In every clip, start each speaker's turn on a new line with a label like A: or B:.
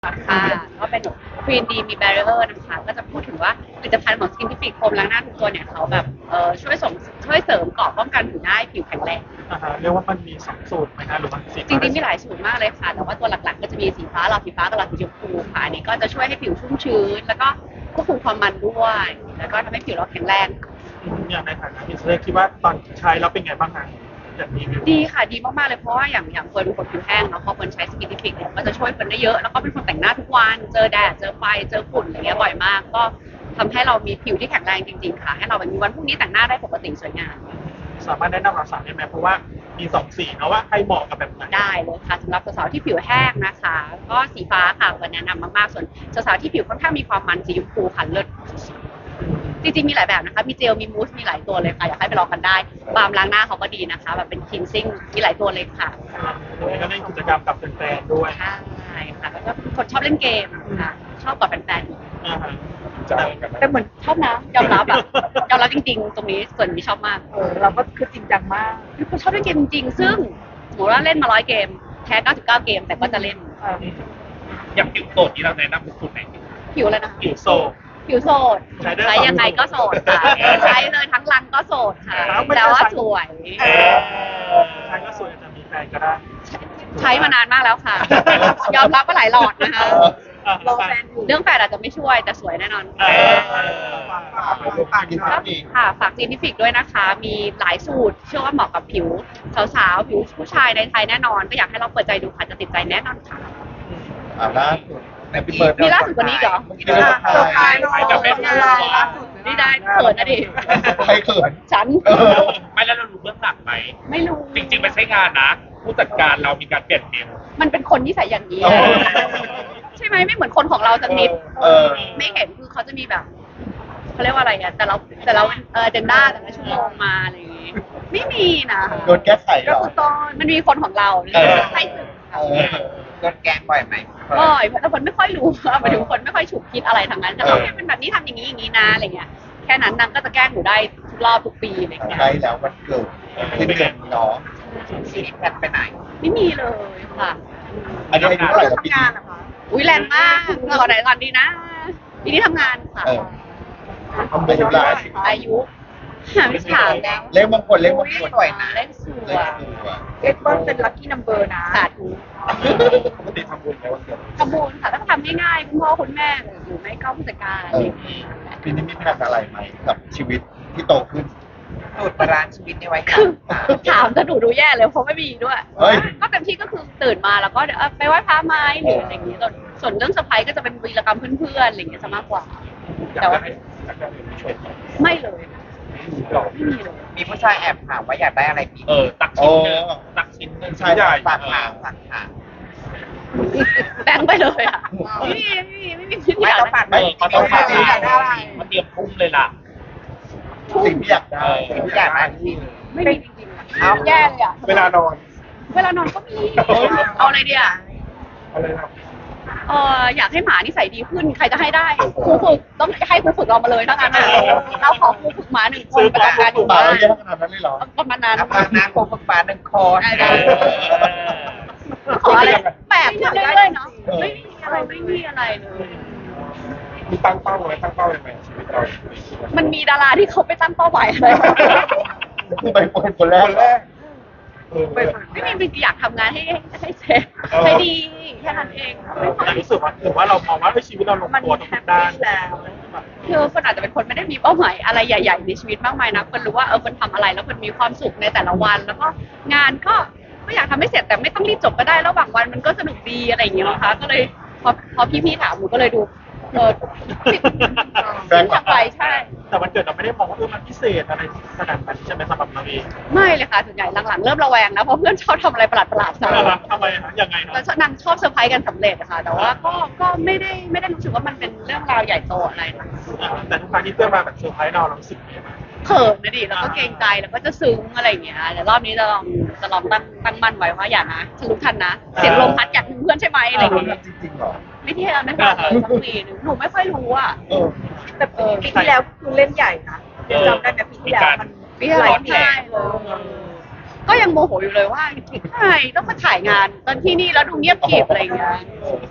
A: ค่ะก็เป็นควีนดีมีแบร r เ e อร์นะคะก็จะพูดถึงว่าผลิตภัณฑ์ของสกินทิฟิกโฟมล้างหน้าทุกตัวเนี่ยเขาแบบช่วยเสริมเกราะป้องกันผิวหน้าให้ผิวแข็งแรง
B: เรียกว่ามันมี2 สูตรไหมคะหรือมันสี
A: จริงๆมีหลายสูตรมากเลยค่ะแต่ว่าตัวหลักๆก็จะมีสีฟ้าหลอดสีฟ้ากับหลอดสีชมพูค่ะอันนี้ก็จะช่วยให้ผิวชุ่มชื้นแล้วก็ควบคุมความมันด้วยแล้วก็ทำให้ผิวเราแข็งแรง
B: อย่างในฐานะที่เลือกคิดว่าตอนใช้แล้วเป็นไงบ้างคะจากรีวิว
A: ดีค่ะดีมากๆเลยเพราะว่าอย่างเฟิร์นเป็นคนผิวแห้งเนาะพอเฟิร์นใช้สกินทิฟิกเนี่ยก็จะช่วยเฟิร์นได้เยอะแล้วก็เป็นคนแต่งหน้าทุกวันเจอแดดเจอไฟเจอฝุ่นอะไรเงี้ยบ่อยมากก็ทำให้เรามีผิวที่แข็งแรงจริงๆค่ะให้เราแบบมีวันพรุ่งนี้แต่งหน้าได้ปกติสวยงาม
B: สามารถแนะนำเราสาวได้ไหมเพราะว่ามี2 สีเนาะว่าใครเหมาะกับแบบไหน
A: ได้เลยค่ะสำหรับสาวๆที่ผิวแห้งนะคะก็สีฟ้าค่ะเฟิร์นแนะนำมากๆส่วนสาวๆที่ผิวค่อนข้างมีความมันสีชมพูค่ะเลิศจริงๆมีหลายแบบนะคะมีเจลมีมูสมีหลายตัวเลยค่ะอยากให้ไปลองกันได้บาล์มล้างหน้าเขาก็ดีนะคะแบบเป็นคลีนซิ่งมีหลายตัวเลยค่ะ
B: ก็เล่นกิจกรรมกับแฟนๆด้วย
A: ใช่ค่ะแล้วก็คนชอบเล่นเกมค่ะชอบกว่าแฟนๆแต่เหมือนชอบนะยอมรับยอมรับจริงๆตรงนี้ส่วนนี้ชอบมาก
C: เราก็คือจริงจังมาก
A: คือคนชอบเล่นเกมจริงๆซึ่งสมมติว่าเล่นมา100 เกมแพ้99 เกมแต่ก็จะเล่น
D: อย่างผิวโสดที่เราแนะนำเป็นสูตรไหน
A: ผิวอะไรนะ
B: ผิวโซ
A: ผิวโสดใช้ยังไงก็โสดค่ะใช้เลยทั้งรังก็โสดค่ะแต่ว่าสวย
B: ใช้ก็สวยจะมีแฟนก็ได้
A: ใช้มานานมากแล้วค่ะยอมรับว่าหลายหลอดนะคะ
C: รอแฟนอยู่
A: เรื่องแฟนอาจจะไม่ช่วยแต่สวยแน่นอนค่ะฝากจีนิฟิกด้วยนะคะมีหลายสูตรเชื่อว่าเหมาะกับผิวสาวๆผิวผู้ชายในไทยแน่นอนก็อยากให้เราเปิดใจดูค่ะจะติดใจแน่นอนค่ะ
E: ล่าสุด
A: มีล่าสุดกว่านี้เหรอนี่ได้เขินนะดิ
E: ใครเขิน
A: ฉัน
D: ไม่แล้วเรารู้เบื้องหลังไหม
A: ไม่รู้
D: จริงๆไม่ใช่งานนะผู้จัดการเรามีการเปลี่ยนเมม
A: มันเป็นคนนิสัยอย่างนี้ใช่ไหมไม่เหมือนคนของเราสักนิดไม่เห็นคือเขาจะมีแบบเขาเรียกว่าอะไรเนี่ยแต่เราเจนด้าแต่ละชั่วโมงมาอะไรอย่างงี้ไม่มีนะ
E: โดนแก้ไขเหรอ
A: มันมีคนของเราใช่สึก
E: โดนแกล้งบ่อยไหม
A: บ่อยแต่คนไม่ค่อยรู้หมายถึงคนไม่ค่อยฉุกคิดอะไรทางนั้นแต่เขาแค่เป็นแบบนี้ทำอย่างนี้อย่างนี้นะอะไรเงี้ยแค่นั้นนางก็จะแกล้งหนูได้ทุกรอบทุกปีอะไรเงี้ย
E: ใช่แล้วมันเกิดขึ้นเดือนน้อง
C: ชีวิตแพทไปไหน
A: ไม่มีเลยค่ะ
E: อันนี้อายุเท่าไหร่แล้วปีนี้
A: อุ้ยแรงมากก่อนไหนก่อนดีนะปีนี้ทำงานค่ะ
E: อายุอะไร
A: อายุไม่ถามแล้ว
E: เลขมงคล
C: สวยนะ
A: เลขสวย
C: เลขต้นเป็นลัคกี้นัมเบอร์นะ
A: สาธุ
E: ปกติทำบุญไหมวันเกิด
A: ทำบุญค่ะต้องทำง่ายๆคุณพ่อคุณแม่หรือไม่ก็ผู้จัดการ
E: ปีนี้มีแผนอะไรไหมกับชีวิตที่โตขึ้น
C: สูตรบาลานซ์ชีวิตในวัยกลาง
A: ถามจะดูแย่เลยเพราะไม่มีด้วยก็เต็มที่ก็คือตื่นมาแล้วก็ไปไหว้พระไม้หรืออะไรอย่างนี้ส่วนเรื่องเซอร์ไพรส์ก็จะเป็นวีรกรรมเพื่อนๆอะไรอย่างเงี้ยซะมากกว่าแต่ว่าไม่เลยไม่มีเลย
C: มีผู้ชายแอบถามว่าอยากได้อะไรปี
D: ตักชิ้นนึงตักชิ้นนึง
E: ใช่ใหญ่
C: ตักหาง
A: แบงไปเลยอ่ะไม่มี
C: ไม่ต้องปัด
D: มันต้องปัดมันเตรียมพุ่มเลยล่ะ
E: สิ่งที่อยากได้
A: ไม่มีจริงๆเอาแย่เลยอ่ะ
B: เวลานอน
A: ก็มีเอาอะไรดีอ่ะ
B: อะไรครับ
A: อยากให้หมานิสัยดีขึ้นใครจะให้ได้ครูฝึกต้องให้ครูฝึกเรามาเลยทั้งนั้นเราขอครูฝึกหมา1 คนประจำการอยู่
E: บ้าน
A: เ
E: ยอะขนาดนั้นเลยเหรอ
A: ประมาณนั้น
C: ครูฝึกหมา1 คน
A: ขออะไรแปลกขึ้นเรื่อยๆเนาะไม่มีอะไรเลย
B: มีตั้งเป้าอะไรตั้งเป้ายังไงชีวิตเรา
A: มันมีดาราที่เขาไปตั้งเป้าหมายอะไร
E: ไปคนแรก
A: ไม่มีอยากทำงานให้เสร็จให้ดีแค่นั้นเอง
B: รู้สึกว่าถือว่าเรามองว่าชีวิตเราลงตัวทุกด้าน
A: แล้วคือคนอาจจะเป็นคนไม่ได้มีเป้าหมายอะไรใหญ่ๆในชีวิตมากมายนะคนรู้ว่าคนทำอะไรแล้วคนมีความสุขในแต่ละวันแล้วก็งานก็อยากทำให้เสร็จแต่ไม่ต้องรีบจบก็ได้ระหว่างวันมันก็สนุกดีอะไรอย่างเงี้ยนะคะก็เลยพอพี่ๆถามหนูก็เลยดูทำไปใช่
B: แต่วันเกิดเราไม่ได้มองว่ามันพิเศษอะไรขนาดนั้นใช่ไหมสำหรับเราเอง
A: ไม่เลยค่ะส่วนใหญ่หลังๆเริ่มระแวงนะเพราะเพื่อนชอบทำอะไรประหลาดๆซะ
B: ทำไมยังไง
A: แต่นางชอบเซอร์ไพรส์กันสำเร็จค่ะแต่ว่าก็ไม่ได้รู้สึกว่ามันเป็นเรื่องราวใหญ่โตอะไรนะ
B: แต่ทุกครั้งที่เพื่อนมาแบบเซอร์ไพรส์เรารู้สึกยังไง
A: เขินนะดิแล้วก็เกรงใจแล้วก็จะซึ้งอะไรอย่างเงี้ยแต่รอบนี้จะลองตั้งมั่นไว้ว่าอย่านะฉันรู้ทันนะเสียงลมพัดอยากถึงเพื่อนใช่ไหมอะไรอย่างเงี้ย
E: จริงๆหรอ
A: ไม่ที่เราไม่ฟังเลยสักทีนึงหนูไม่ค่อยรู้อ่ะ
C: แต่ปีที่แล้วคือเล่นใหญ่นะจำได้ไหมปีที่แล้วมัน
A: หลายที่เลยก็ยังโมโหอยู่เลยว่าใครต้องมาถ่ายงานตอนที่นี่แล้วดูเงียบกริบอะไรอย่างเงี้ย
E: ไป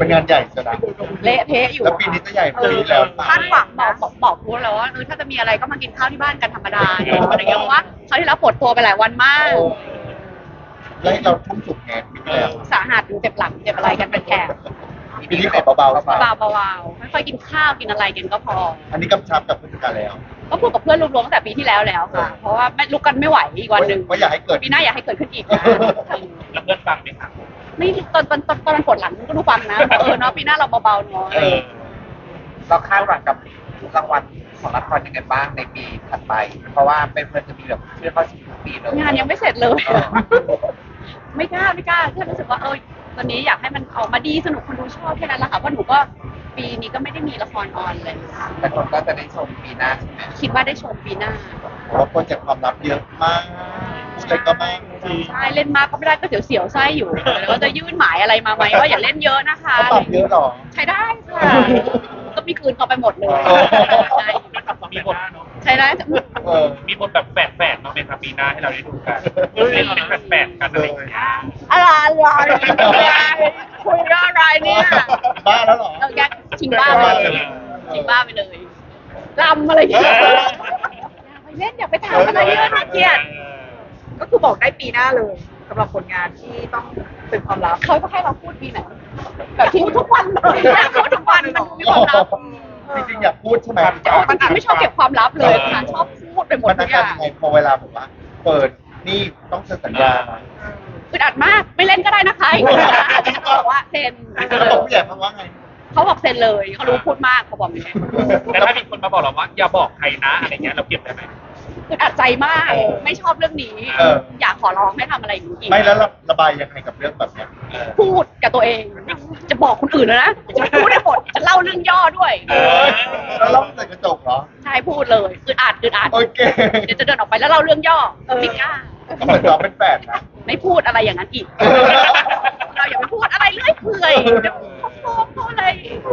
E: เป็นงานใหญ่ใช่ไหม
A: เละเทะอยู่
E: แล้วปีนี้จะใหญ่กว่าปีที่แล้ว
C: คาดหวัง
A: บอ
C: นะ
A: กบอกพูดแล้วว่าถ้าจะมีอะไรก็มากินข้าวที่บ้านกันธรรมดาเนอะอะไรอย่างเงี้ยเพราะว่าเขาวที่แล้วปวดตัวไปหลายวันมาก
E: แล้วเราทุ่มสุดไงปีที่แล้ว
A: สาหัสอยู่เจ็บหลังเจ็บอะไรกันเป็นแถบ
E: ปีนี้ขอเบาๆไป
A: เบาๆค่อยๆกินข้าวกินอะไรกันก็พอ
E: อันนี้กำชับกับผู้จัดการแล้ว
A: ก็พูดกับเพื่อนรวมๆตั้งแต่ปีที่แล้วค่ะ เพราะว่าไม่ลุกกันไม่ไหวอีกวันหนึ่ง
E: ว่าอยากให้เกิด
A: ปีหน้าอยากให้เกิดขึ้นอีกนะ
D: แล้วเพื่อนฟังไหมคะ
A: ไม่ตอนมันปวดหลังก็รู้ฟังนะเนาะปีหน้าเราเบาๆเนาะ
F: เราคาดหวังกับรางวัลของละครยังไงบ้างในปีถัดไป เพราะว่าเป็นเพื่อนจะมีแบบชื่อเข้าชิงทุกปีเลย
A: งานยังไม่เสร็จเลยไม่กล้าแค่รู้สึกว่าตอนนี้อยากให้มันออกมาดีสนุกคนดูชอบแค่นั้นแหละค่ะเพราะหนูก็ปีนี้ก็ไม่ได้มีละครออนเลยค่ะ
F: แต่คนก็จะได้ชมปีหน้าใช่ไหม
A: คิดว่าได้ชมปีหน้า
E: เพราะโปรเจกต์ความลับเยอะมากพูดอะไรก็มาก
A: ใช่เล่นมากก็ไม่ได้ก็เสียวๆไส้อยู่แล้วก็จะยื่นหมายอะไรมาไหมว่าอย่าเล่นเยอะนะคะ
E: เขาปรับเยอะหรอ
A: ใช้ได้ค่ะก็มีคืนเขาไปหมดเลยใช่
D: มีบท
A: ใช้ได้
E: เออ
D: มีบทแบบแฝดๆมาเป็นปีหน้าให้เราได้ดูกันเป็นแฝดๆกันอะไรอย่างเงี้ย
A: อะไรคุยเรื่องอะไรเนี่ย
E: บ้าแล้วเหรอ
A: เราแยกชิงบ้าไปเลยชิงบ้าไปเลยลำอะไรอย่างเงี้ยอย่าไปเล่นอย่าไปทำอะไรเยอะน่าเกลียด
C: ก็คือบอกได้ปีหน้าเลยสำหรับผลงานที่ต้องเป็นความลับ
A: เขาก็ให้เราพูดปีไหนแบบที่ทุกวันเลยพูดทุกวันมันมีความลับ
E: จริงๆอยากพูดใช่ไหม
A: มันไม่ชอบเก็บความลับเลยค่ะชอบพูดไปหมด
E: มัน
A: ทุ
E: อาก
A: อ
E: การ
A: ย่าง
E: ยังไงพอเวลาแบบว่า เปิดนี่ต้องเซ็นสัญญา
A: อึดอัดมากไม่เล่นก็ได้นะคะเขาบอกว่าเซ็น
E: แล้วบอกผู้ใหญ่มาว่าไง
A: เขาบอกเซ็นเลยเขารู้พูดมากเขาบอกอย่างนี้
D: แต่ถ้ามีคนมาบอกเราว่าอย่าบอกใครนะอะไรเงี้ยเราเก็บได้ไหม
A: อึดอัดใจมากไม่ชอบเรื่องนี้ อยากขอร้องให้ทำอะไรอย่างนี้อีก
E: ไม่แล้วระบายยังไงกับเรื่องแบบเนี้ย
A: พูดกับตัวเองจะบอกคนอื่นแล้วนะจะพูดให้หมดจะเล่าเรื่องย่อด้วย
E: แล้วเราใส่กระจกเหรอ
A: ใช่พูดเลยอึดอัด
E: โอเค
A: เดี๋ยวจะเดินออกไปแล้วเล่าเรื่องย่อไม่กล้า
E: ก็เหมือนเราเป็นแฝดนะ
A: ไม่พูดอะไรอย่างนั้นอีก เราอย่าไปพูดอะไรเรื่อยเปื่อยเดี๋ยวเขาอะไร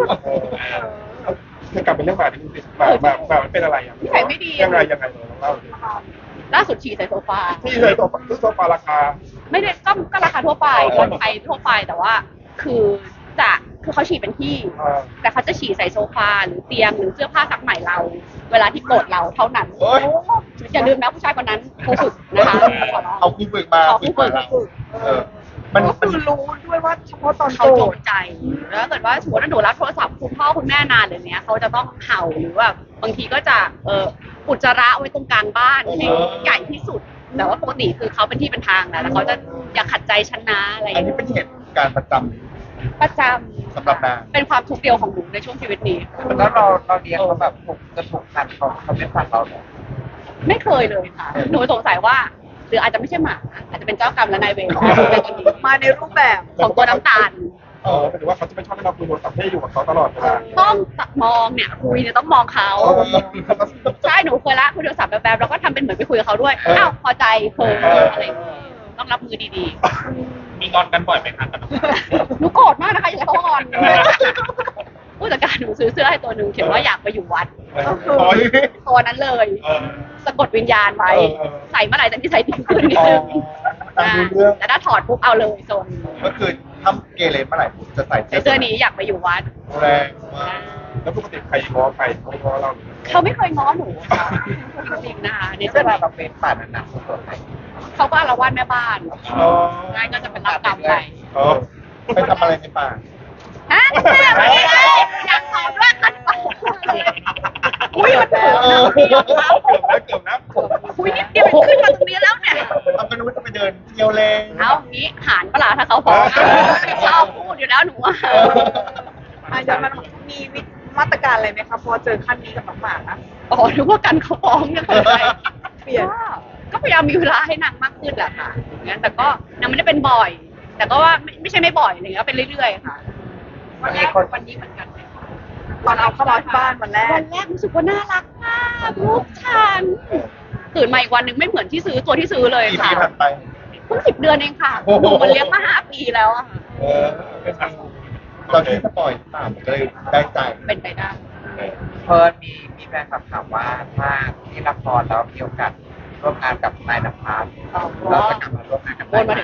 G: จะกลับเป็นเรื่องหมาที่คุณติดหมามันเป็นอะไรอ่ะ
A: นิสัยไม่ดี
G: ยังไงเลยเล่าดิ
A: ล่าสุดฉี่ใส่โซฟา
G: ที่เลยตัวซื้อโซฟาราคา
A: ไม่ได้ก็ราคาทั่วไปคนไทยทั่วไปแต่ว่าคือเขาฉี่เป็นที่ แต่เขาจะฉี่ใส่โซฟาหรือเตียงหรือเสื้อผ้าซักใหม่เรา เวลาที่โกรธเราเท่านั้น
E: โอ๊ย
A: อย่าลืมนะผู้ชายคนนั้นครูฝึกนะคะขอร้อง
E: เอาคู่ฝึกมา
A: ขอคู่ฝึก
E: เราเออมัน
C: ก็คือรู้ด้วยว่าเฉพาะตอน
A: เขา
C: โกร
A: จ
C: ธ
A: งใจแล้วถ้าเกิดว่าสมมติว่าหนูรับโทรศัพท์คุณพ่อคุณแม่นานเลยเนี้ยเขาจะต้องเห่าหรือว่าบางทีก็จะอุจจาระไว้ตรงกลางบ้านให้ใหญ่ที่สุดแต่ว่าปกติคือเขาเป็นที่เป็นทางนะแล้วเขาจะอย่าขัดใจฉันนะอะไรอ
E: อัน
A: ย่าง
E: นี้
A: เงี้ย
E: เป็นเหตุการณ์ประจ
A: ประจ
E: สำหรับนาง
A: เป็นความทุกข์เดียวของหนูในช่วงชีวิตนี้
F: แล้วเราเลี้ยงเขาแบบถูกพันเขาไม่ฟังเราเลย
A: ไม่เคยเลยค่ะ หนูสงสัยว่าหรืออาจจะไม่ใช่หมาอาจจะเป็นเจ้ากรรมและนายเวรในตอนนี้
C: มาในรูปแบบ
A: ของตัวน้ำตาล
G: หรือว่าเขาจะไม่ชอบให้เราคุยโทรศัพท์ให้อยู่กับเขาตลอดเวลา
A: ต้องมองเนี่ยคุยเนี่ยต้องมองเขาใช่หนูเคยละคุยโทรศัพท์แบบๆแล้วก็ทำเป็นเหมือนไปคุยกับเขาด้วยอ้าวพอใจเพออะไรอย่างเงี้ยต้องรับมือดี
D: มีงอนกันบ่อยไหมคะกับน้อง
A: ๆหนูโกรธมากนะคะอย่าให้เขางอนผู้จัดการหนูซื้อเสื้อให้ตัวหนึ่งเขียนว่าอยากไปอยู่วัด
E: โอ้ย
A: ตัวนั้นเลยสะกดวิญญาณไว้ใส่เมื่อไหร่จะนิสัยดีขึ้นนิดนึง
E: ตามดูเรื่อง
A: แต่ถ้าถอดปุ๊บเอาเลยโซน
E: ก็คือถ้าเกเรเมื่อไหร่ผมจะใส่
A: เสื้อนี้อยากไปอยู่วัด
E: แรงมาก
G: แล้วปกติใครง้อใครเขาง้อเรา
A: เขาไม่เคยง้อหนูค่ะจริงๆนะคะใน
F: นี่
A: ส่
F: เว
A: วน
F: ลาเราเป็นป่านั้นนะส่วนไหน
A: เขาก็อาละวาดแม่บ้าน
E: อ๋อ
A: ง่ายก็จะเป็นรับกรรมไป
E: อ๋อไปทำอะไรในป่า
A: ฮะแม่ไม่ได้อยากตอบด้วยกันไปอุ้ยมันเถอะนะพี่ยอมรับ
G: เกือบนะ
A: อุ้ยนิดเดียวขึ้นมาตรงนี้แล้วเนี่ย
E: ทำเป็นว่าจะไปเดินเที่ยวเล่น
A: เอางี้หารปลาถ้าเขาฟ้องชอบพูดอยู่แล้วหนูอะ
C: อาจารย์มันมีมาตรการอะไรไหมคะพอเจอขั้นนี้กับน้องหมานะ
A: อ๋อนึกว่ากันเขาฟ้องยังไง
C: เปลี่ยน
A: ก็พยายามมีเวลาให้นางมากขึ้นแหละค่ะอย่างนั้นแต่ก็นางไม่ได้เป็นบ่อย แต่ก็ว่าไม่ใช่ไม่บ่อยอะไรเงี้ยเป็นเรื่อยๆค่ะวันนี้เหมือนกัน
C: ตอนเอาเข้ามาที่บ้านวันแรก
A: วันแรกรู้สึกว่าน่ารักมากลูกฉันตื่นมาอีกวันหนึ่งไม่เหมือนที่ซื้อตัวที่ซื้อเลย
E: กี่
A: ค่ะ
E: ปีผ่านไป
A: เพิ่ง10 เดือนเองค่ะ
E: โอ้โห
A: หนูมันเลี้ยงมา5 ปีแล้วอะค่ะ
E: เออเราที่สปอยป่ามันก็เลยได้ใจ
A: เป็นไปได้
F: เพิร์นมีแฟนคลับถามว่าถ้าที่ละครแล้วมีโอกาสร่วมงานกับนายนภัสเราจะกลับมาร่วมงานกับ
A: วนมาถึง
F: น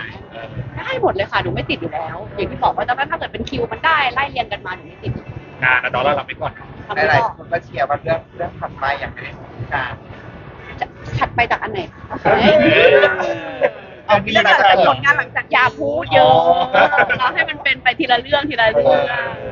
A: ได้หมดเลยค่ะหนูไม่ติดอยู่แล้ว อย่างที่บอกว่าถ้าเกิดเป็นคิวมันได้ไล่เรียงกันมาหนูไม่ติด
D: งานนะดอลลาร์เราไปก่อน
A: ทำไม่
F: หลาย
A: ได้
F: ๆคนก็เชียร์ว่าเรื่องถัดไปอย่างไม่ได้พูดการ
A: ถัดไปจากอันไหนคะ
E: เอามี
C: เรื่อง
E: นะ
C: หลัง
E: ครั
C: จาก
E: บ
C: ผลงานหลังจาก
A: อย่าพูดเยอะเราให้มันเป็นไปทีละเรื่องทีละเรื่อง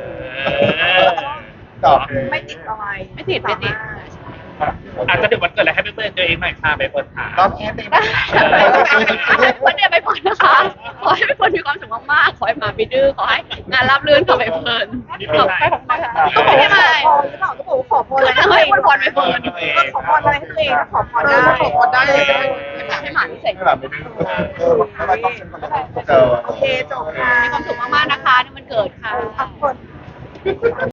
E: ตอบ
C: ไม่ติดอะไร
A: ไม่ติดไม่ติด
D: อาจจะเดี๋ยววันเกิดอะไรให้เพื่อนตัวเองหน่อยค่ะไปเปิดหา
F: เราแค่ตีปัญหา
A: วันเดียวไปก่อนนะคะ ขอให้เป็นคนมีความสุขมากๆ ขอให้มาไม่ดื้อ ขอให้งานราบรื่นขอไปเพลินขอบคุณค่ะ
C: ก็บอก
A: ไม่
C: ว่า
A: ไม่
C: ขอพรหรือเปล่าก็บอกว่าขอพรอะไร
A: คือให้พรไปเพลิน
C: ขอพรอะไรให้ตัวเองขอพรได้
E: ขอพรได้
A: ให้หมาที่เสร็จ
E: ไม่แบบไม่ดื้อไม่แบบต้องเจอ
C: โอเคจบค่ะ
A: มีความสุขมากๆนะคะในวันเกิดค่ะ
C: พักผ่อน